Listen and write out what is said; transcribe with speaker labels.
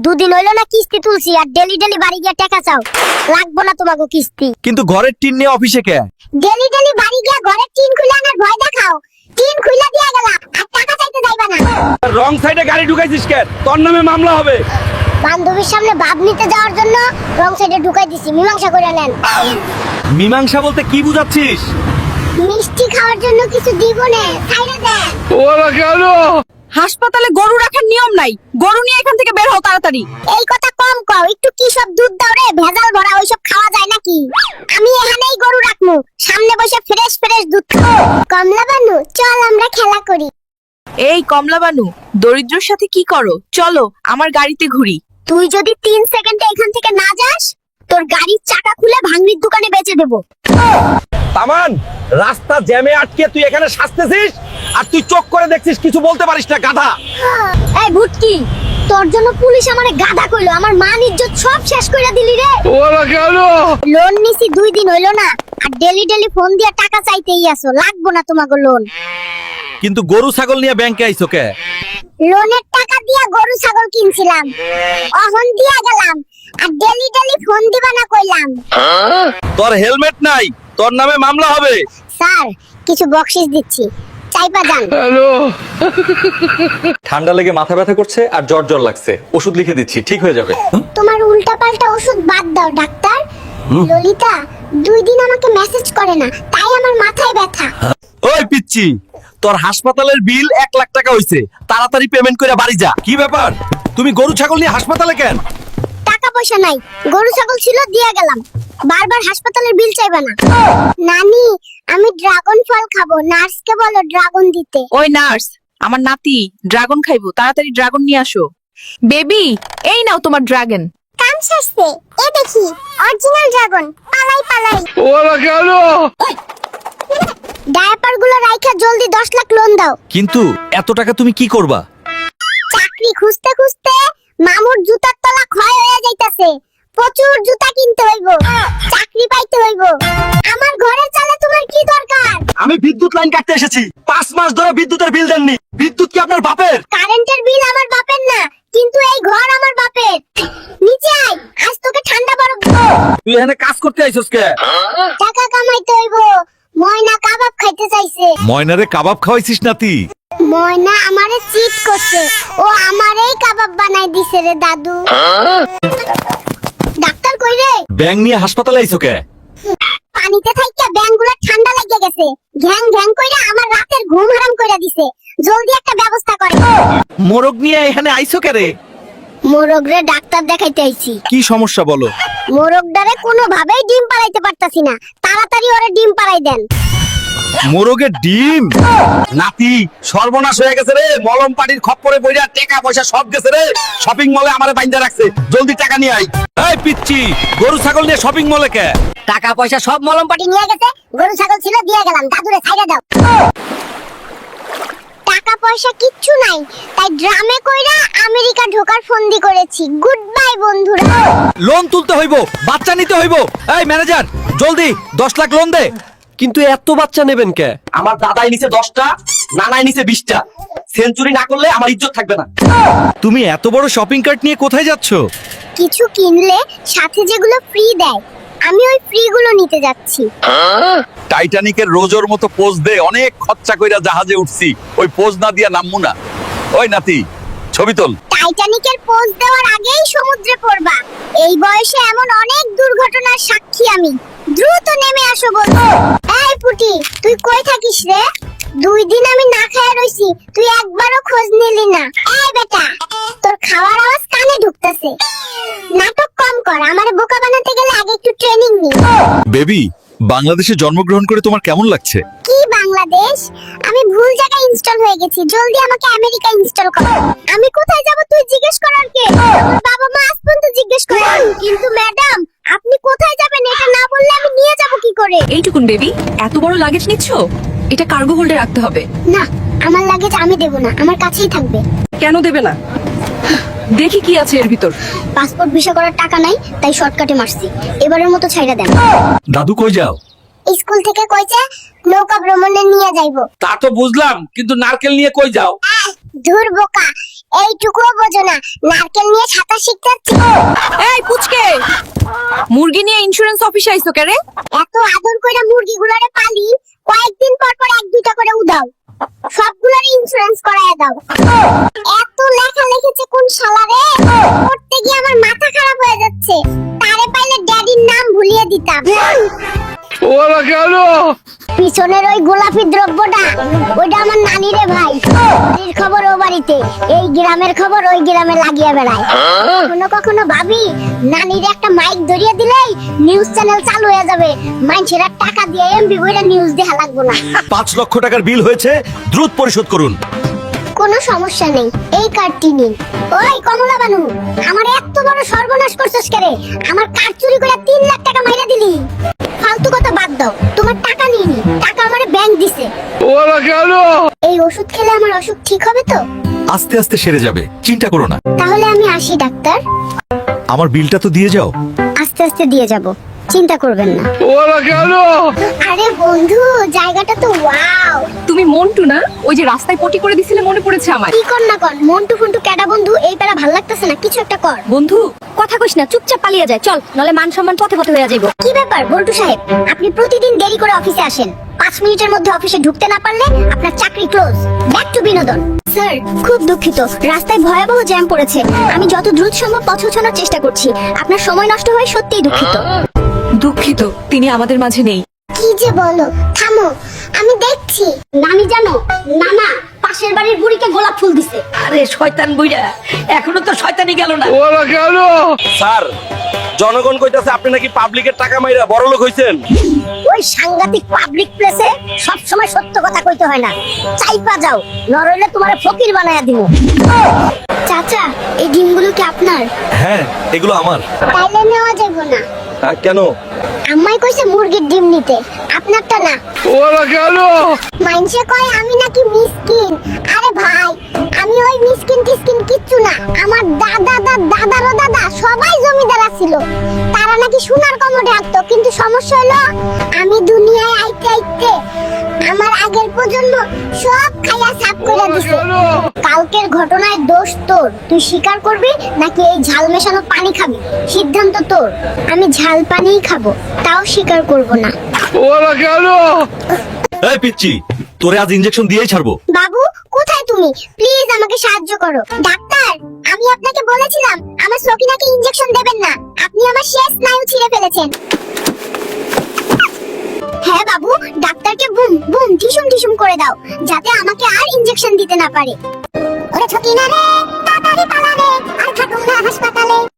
Speaker 1: দুদিন হইলো না কিস্তি তুলছি আর ডেলি ডেলি বাড়ি গিয়ে টাকা চাও। লাগবো না তোমাকে কিস্তি।
Speaker 2: কিন্তু ঘরের টিন নিয়ে অফিসে কে?
Speaker 1: ডেলি ডেলি বাড়ি গিয়ে ঘরের টিন খুলে আনার ভয় দেখাও। টিন খুলে দিয়ে গেলাম আর টাকা চাইতে যাইবা না।
Speaker 2: রং সাইডে গাড়ি ঢুকাইছিস কেন? তোর নামে মামলা হবে।
Speaker 1: বান্ধবীর সামনে ভাব নিতে যাওয়ার জন্য রং সাইডে ঢুকাই দিছি, মীমাংসা করে নেন।
Speaker 2: মীমাংসা বলতে কি বুঝাচ্ছিস?
Speaker 1: মিষ্টি খাওয়ার জন্য কিছু দিব না, ছাইড়া দেন।
Speaker 2: ওরা কেন?
Speaker 3: হাসপাতালে গরু রাখার নিয়ম নাই, গরু নিয়ে এখান থেকে বের হও তাড়াতাড়ি।
Speaker 1: এই কথা কম কও, একটু কি সব দুধ দাও রে, ভেজাল ভরা ওইসব খাওয়া যায় নাকি? আমি এখানেই গরু রাখমু, সামনে বসে ফ্রেশ ফ্রেশ দুধ খাও। কমলা বানু, চল আমরা খেলা করি।
Speaker 3: এই কমলা বানু, দরিদ্রর সাথে কি করো? চলো আমার গাড়িতে ঘুরি।
Speaker 1: তুই যদি 3 সেকেন্ডে এখান থেকে না যাস, তোর গাড়ির চাকা খুলে ভাঙড়ির দোকানে বেচে দেব।
Speaker 2: তামান, রাস্তা জ্যামে আটকে তুই এখানে সাজতেছিস আর তুই চোখ করে দেখছিস, কিছু বলতে পারিস না গাধা।
Speaker 1: এই ভুটকি, তোর জন্য পুলিশ আমারে গাধা কইলো, আমার মান ইজ্জত সব শেষ কইরা দিলি রে।
Speaker 2: ওরা কেন?
Speaker 1: লোন নিছি 2 দিন হইলো না আর ডেলি ডেলি ফোন দিয়া টাকা চাইতেই আসো। লাগবো না তোমাকে লোন।
Speaker 2: কিন্তু গরু ছাগল নিয়ে ব্যাংকে আইছো কে?
Speaker 1: লোনের টাকা দিয়া গরু ছাগল কিনছিলাম, অহন দিয়া গেলাম আর ডেলি ডেলি ফোন দিবা না কইলাম।
Speaker 2: তোর হেলমেট নাই, তোর নামে মামলা হবে।
Speaker 1: স্যার, কিছু বকশিশ দিচ্ছি, চাইপা যান।
Speaker 4: ঠান্ডা লেগে মাথা ব্যথা করছে আর জ্বর জ্বর লাগছে, ওষুধ লিখে দিচ্ছি, ঠিক হয়ে যাবে।
Speaker 1: তোমার উল্টাপাল্টা ওষুধ বাদ দাও ডাক্তার। ললিতা 2 দিন আমাকে মেসেজ করে না, তাই আমার মাথায় ব্যথা।
Speaker 2: ওই পিচ্চি, তোর হাসপাতালের বিল 1 লাখ টাকা হইছে, তাড়াতাড়ি পেমেন্ট করে বাড়ি যা। কি ব্যাপার, তুমি গরু ছাগল নিয়ে হাসপাতালে কেন?
Speaker 1: টাকা পয়সা নাই, গরু ছাগল ছিল দিয়া গেলাম। বারবার হাসপাতালের বিল চাইবা না। নানি, আমি ড্রাগন ফল খাবো, নার্সকে বলো ড্রাগন দিতে।
Speaker 3: ওই নার্স, আমার নাতি ড্রাগন খাইবো, তাড়াতাড়ি ড্রাগন নিয়ে আসো। বেবি, এই নাও তোমার ড্রাগন।
Speaker 1: কাম শেষে এ দেখি অরিজিনাল ড্রাগন। পালাই পালাই।
Speaker 2: ওরা কেন?
Speaker 1: ডায়াপার গুলো রাইখা জলদি 10 লাখ লোন দাও।
Speaker 2: কিন্তু এত টাকা তুমি কি করবা?
Speaker 1: চাকরি খুঁজতে খুঁজতে মামুর জুতার তলা ক্ষয় হয়ে যাইতাছে। প্রচুর জুতা কিনতে হইব, চাকরি পাইতে হইব। আমার ঘরে চলে তোমার কি দরকার?
Speaker 2: আমি বিদ্যুৎ লাইন কাটতে এসেছি, 5 মাস ধরে বিদ্যুতের বিল দেননি। বিদ্যুৎ কি আপনার বাপের?
Speaker 1: কারেন্টের বিল আমার বাপের না, কিন্তু এই ঘর আমার বাপের। নিচে আয়, আজ তোকে ঠান্ডা বরফ দেব।
Speaker 2: তুই এখানে কাজ করতে আইছস কে?
Speaker 1: টাকা কামাইতে হইব। ময়না কাবাব খাইতে চাইছে।
Speaker 2: ময়নারে কাবাব খাওয়াইছিস নাতি?
Speaker 1: ময়না আমারে চিট করছে, ও আমারেই কাবাব বানাই দিছে রে দাদু। ডাক্তার কই রে?
Speaker 2: ব্যাং নিয়ে হাসপাতালে আইছো কে?
Speaker 1: পানিতে থাইকা ব্যাঙগুলো ঠান্ডা লাগিয়ে গেছে, ঘ্যাং ঘ্যাং কইরা আমার রাতের ঘুম হারাম কইরা দিছে। জলদি একটা ব্যবস্থা করে।
Speaker 2: মোরগ নিয়ে এখানে আইছো কে রে?
Speaker 1: মোরগরে ডাক্তার দেখাইতে আইছি।
Speaker 2: কি সমস্যা বলো?
Speaker 1: মোরগটারে কোনোভাবেই ডিম পাড়াইতে পারতাছি না, তাড়াতাড়ি ওরে ডিম পাড়াই দেন।
Speaker 2: মোরগের ডিম? নাতি, সর্বনাশ হয়ে গেছে রে। মলম পাটির খপ্পরে পড়িয়া টাকা পয়সা সব গেছে রে। শপিং মলে আমারে বাইন্ধা রাখছে, জলদি টাকা নিয়ে আই। এই পিচ্চি, গরু ছাগল নিয়ে শপিং মলে কে?
Speaker 1: টাকা পয়সা সব মলম পাটি নিয়ে গেছে, গরু ছাগল ছিল দিয়ে গেলাম। দাদুরে ছাইড়া দাও। টাকা পয়সা কিচ্ছু নাই, তাই ড্রামে কইরা আমেরিকা ঢোকার ফন্দি করেছি। গুড বাই বন্ধুরা।
Speaker 2: লোন তুলতে হইব, বাচ্চা নিতে হইব। এই ম্যানেজার, জলদি 10 লাখ লোন দে।
Speaker 4: কিন্তু এত বাচ্চা নেবেন কে?
Speaker 2: আমার দাদাই নিচে 10টা, নানাই নিচে 20টা। সেঞ্চুরি না করলে আমার ইজ্জত থাকবে না। তুমি এত বড় শপিং কার্ট নিয়ে কোথায় যাচ্ছ?
Speaker 1: কিছু কিনলে সাথে যেগুলো ফ্রি দেয়, আমি ওই ফ্রি গুলো নিতে যাচ্ছি।
Speaker 2: টাইটানিকের রোজোর মতো পোজ দে, অনেক খরচা কইরা জাহাজে উঠছি, ওই পোজ না দিয়া নামমু না। ওই নাতি, ছবি তোল।
Speaker 1: টাইটানিকের পোজ দেওয়ার আগেই সমুদ্রে পড়বা। এই বয়সে এমন অনেক দুর্ঘটনার সাক্ষী আমি। দ্রুত নেমে আসো বলবো। এই পুটি, তুই কই থাকিস রে? 2 দিন আমি না খায় রইছি, তুই একবারও খোঁজ নিলি না। এই বেটা, তোর খাওয়ার আওয়াজ কানে ঢুকতেছে। নাটক কম কর, আমারে বোকা বানাতে গেলে আগে একটু ট্রেনিং নি।
Speaker 2: বেবি, বাংলাদেশে জন্মগ্রহণ করে তোমার কেমন লাগছে?
Speaker 1: কি বাংলাদেশ? আমি ভুল জায়গায় ইনস্টল হয়ে গেছি, জলদি আমাকে আমেরিকা ইনস্টল কর। আমি কোথায় যাব তুই জিজ্ঞেস করার কে? আমার বাবা মা আজ পর্যন্ত জিজ্ঞেস করে। কিন্তু ম্যাডাম, আপনি কোথায় যাবেন এটা না বললে আমি নিয়ে যাব কি করে?
Speaker 3: এইটুকুন বেবি, এত বড় লাগেজ নিচ্ছ? এটা কার্গো হোল্ডে রাখতে হবে।
Speaker 1: না, আমার লাগেজ আমি দেব না, আমার কাছেই থাকবে।
Speaker 3: কেন দেবে না? দেখি কি আছে এর ভিতর।
Speaker 1: পাসপোর্ট ভিসা করার টাকা নাই, তাই শর্টকাটে মারছি। এবারের মতো ছাইড়া দেন।
Speaker 2: দাদু কই যাও?
Speaker 1: স্কুল থেকে কইছে নৌকা ভ্রমণে নিয়ে যাইবো।
Speaker 2: তা তো বুঝলাম, কিন্তু নারকেল নিয়ে কই যাও?
Speaker 1: ধুর বোকা, এইটুকুও বোঝো না, নারকেল নিয়ে সাঁতার শিখতে যাচ্ছি।
Speaker 3: এই পুচকে, মুরগি নিয়ে ইন্স্যুরেন্স অফিসে আইছো কেরে?
Speaker 1: এত আদর কইরা মুরগিগুলোরে পালি, কয়েকদিন পর পর এক দুইটা করে উদাও, সবগুলোর ইন্স্যুরেন্স করায় দাও। এত লেখা লিখেছে কোন শালারে, পড়তে গিয়ে আমার মাথা খারাপ হয়ে যাচ্ছে। তারে পাইলে ড্যাডির নাম ভুলিয়ে দিতাম।
Speaker 2: ওরা কেন?
Speaker 1: পিছনের ওই গোলাপি দ্রব্যটা, ওইটা আমার নানি রে ভাই। বাড়ির খবর ও বাড়িতে, এই গ্রামের খবর ওই গ্রামে লাগিয়ে বেড়ায়। কখনো কখনো ভাবি, নানির একটা মাইক ধরিয়ে দিলেই নিউজ চ্যানেল চালু হয়ে যাবে, মানুষেরা টাকা দিয়ে এমবি বইরা নিউজ দেখা লাগবে না।
Speaker 2: 5 লক্ষ টাকার বিল হয়েছে, দ্রুত পরিশোধ করুন।
Speaker 1: কোনো সমস্যা নেই, এই কার্ডটি নিন। ওই কমলা বানু, আমার এত বড় সর্বনাশ করছস কেরে? আমার কার্ড চুরি করে 3 লাখ টাকা মাইরা দিলি। ফালতু কথা বাদ দাও, তোমার টাকা নিনি, টাকা আমারে ব্যাংক দিছে।
Speaker 2: ওরা কেন?
Speaker 1: এই ওষুধ খেলে আমার অসুখ ঠিক হবে তো?
Speaker 2: আস্তে আস্তে সেরে যাবে, চিন্তা করো না।
Speaker 1: তাহলে আমি আসি ডাক্তার।
Speaker 2: আমার বিলটা তো দিয়ে যাও।
Speaker 1: আস্তে আস্তে দিয়ে যাব, চিন্তা করবেন না।
Speaker 2: ওরা কেন?
Speaker 1: আরে বন্ধু, জায়গাটা তো ওয়াও।
Speaker 3: তুমি মন্টু না, ওই যে রাস্তায় পটি করে দিছিলে, মনে পড়েছে আমার।
Speaker 1: কি কর না কর, মন্টু ফন্টু ক্যাডা বন্ধু, এই প্যারা ভাল লাগতেছে না, কিছু একটা কর।
Speaker 3: বন্ধু,
Speaker 1: কথা কইস না, চুপচাপ পালিয়ে যায়, চল, নলে মান সম্মান পথে পথে হয়ে যাইব। কি ব্যাপার বল্টু সাহেব, আপনি প্রতিদিন দেরি করে অফিসে আসেন, 5 মিনিটের মধ্যে অফিসে ঢুকতে না পারলে আপনার চাকরি ক্লোজ। ব্যাক টু বিনোদন। স্যার, খুব দুঃখিত, রাস্তায় ভয়াবহ জ্যাম পড়েছে। আমি যত দ্রুত সম্ভব পৌঁছানোর চেষ্টা করছি। আপনার সময় নষ্ট হয়ে সত্যিই দুঃখিত।
Speaker 3: দুঃখিত, তিনি আমাদের মাঝে নেই।
Speaker 1: কি যে বলো, থামো, আমি দেখছি। নানি জানো, নানা পাশের বাড়ির বুড়িকে গোলাপ ফুল দিছে।
Speaker 5: আরে শয়তান বুইড়া, এখনো তো শয়তানি গেল না।
Speaker 2: ওরা কেন? স্যার, জনগণ কইতাছে আপনি নাকি পাবলিকের টাকা মাইরা বড় লোক হইছেন।
Speaker 1: ওই সাংঘাতিক পাবলিক প্লেসে সব সময় সত্য কথা কইতে হয় না, চাইপা যাও, নরইলে তোমারে ফকির বানায়া দিব। চাচা, এই ডিমগুলো কি আপনার?
Speaker 2: হ্যাঁ, এগুলো আমার।
Speaker 1: তাইলে নেওয়া যাবে না।
Speaker 2: কেন?
Speaker 1: আম্মাই কইছে মুরগির ডিম নিতে, আপনারটা না।
Speaker 2: ওরা কেন?
Speaker 1: মাইনসে কয় আমি নাকি মিসকিন। আরে ভাই, আমি ওই মিসকিন টিসকিন কিচ্ছু না। আমার দাদারও দাদা সবাই জমিদার ছিল। তারা নাকি সোনার কমোডে আঁকতো, কিন্তু সমস্যা হলো আমি দুনিয়ায় আইতে আইতে আমার আগের প্রজন্ম সব খাইয়া সাফ করে দিছে। কালকের ঘটনায় দোষ তোর, তুই স্বীকার করবি নাকি এই ঝাল মেশানো পানি খাবি? সিদ্ধান্ত তোর। আমি ঝাল পানিই খাবো, তাও স্বীকার করব না।
Speaker 2: ওরা কেন? এই পিচ্চি, তোরে আজ ইনজেকশন দিয়েই ছাড়বো।
Speaker 1: বাবু, কোথায় তুমি? প্লিজ আমাকে সাহায্য করো। ডাক্তার, আমি আপনাকে বলেছিলাম আমার সকিনাকে ইনজেকশন দেবেন না, আপনি আমার শেষ স্নায়ু ছিঁড়ে ফেলেছেন। হ্যাঁ বাবু, ডাক্তারকে বুম বুম টিসুম টিসুম করে দাও, যাতে আমাকে আর ইনজেকশন দিতে না পারে। ওরে সকিনা রে, তাড়াতাড়ি পালা রে, আর থাকুন না হাসপাতালে।